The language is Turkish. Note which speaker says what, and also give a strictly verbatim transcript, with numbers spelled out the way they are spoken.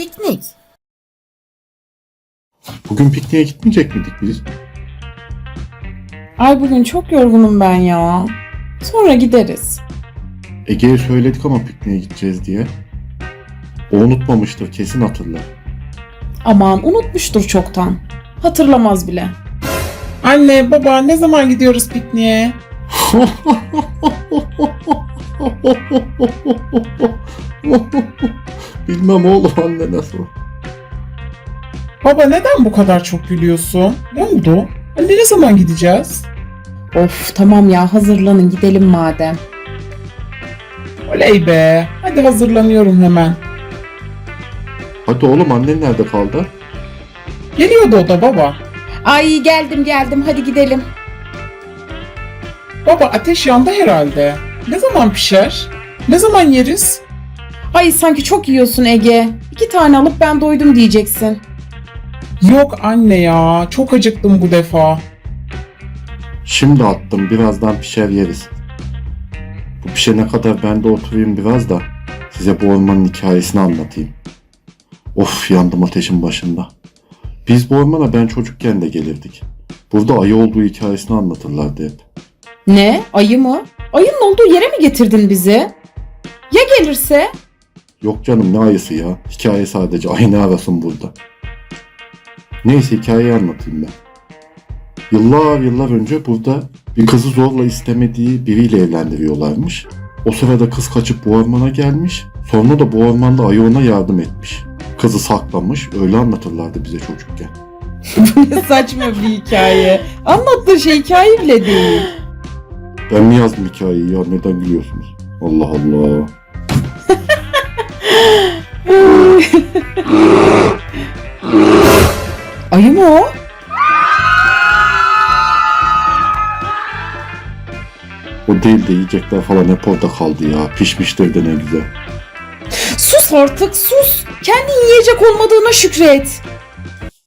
Speaker 1: Piknik.
Speaker 2: Bugün pikniğe gitmeyecek miydik biz?
Speaker 3: Ay bugün çok yorgunum ben ya. Sonra gideriz.
Speaker 2: Ege'ye söyledik ama pikniğe gideceğiz diye. O unutmamıştır, kesin hatırlar.
Speaker 3: Aman unutmuştur çoktan. Hatırlamaz bile.
Speaker 4: Anne, baba ne zaman gidiyoruz pikniğe?
Speaker 2: Bilmem oğlum, anne nasıl?
Speaker 4: Baba neden bu kadar çok gülüyorsun? Ne oldu? Anne ne zaman gideceğiz?
Speaker 3: Of tamam ya, hazırlanın gidelim madem.
Speaker 4: Oley be. Hadi hazırlanıyorum hemen.
Speaker 2: Hadi oğlum, annen nerede kaldı?
Speaker 4: Geliyordu o da baba.
Speaker 3: Ay geldim geldim, hadi gidelim.
Speaker 4: Baba ateş yandı herhalde. Ne zaman pişer? Ne zaman yeriz?
Speaker 3: Ay sanki çok yiyorsun Ege. İki tane alıp ben doydum diyeceksin.
Speaker 4: Yok anne ya. Çok acıktım bu defa.
Speaker 2: Şimdi attım, birazdan pişer yeriz. Bu pişene kadar ben de oturayım biraz da size bu ormanın hikayesini anlatayım. Of, yandım ateşin başında. Biz bu ormana ben çocukken de gelirdik. Burada ayı olduğu hikayesini anlatırlardı hep.
Speaker 3: Ne? Ayı mı? Ayının olduğu yere mi getirdin bizi? Ya gelirse?
Speaker 2: Yok canım, ne ayısı ya. Hikaye sadece, ayı ne arasın burada. Neyse, hikayeyi anlatayım ben. Yıllar yıllar önce burada bir kızı zorla istemediği biriyle evlendiriyorlarmış. O sırada kız kaçıp bu ormana gelmiş. Sonra da bu ormanda ayı ona yardım etmiş. Kızı saklamış, öyle anlatırlardı bize çocukken.
Speaker 3: Ne saçma bir hikaye. Anlattığı şey hikaye bile değil.
Speaker 2: Ben mi yazdım hikayeyi ya, neden gülüyorsunuz? Allah Allah.
Speaker 3: Ayı mı o?
Speaker 2: O değil de yiyecekler falan hep orada kaldı ya. Pişmiştir de ne güzel.
Speaker 3: Sus artık sus. Kendin yiyecek olmadığına şükret.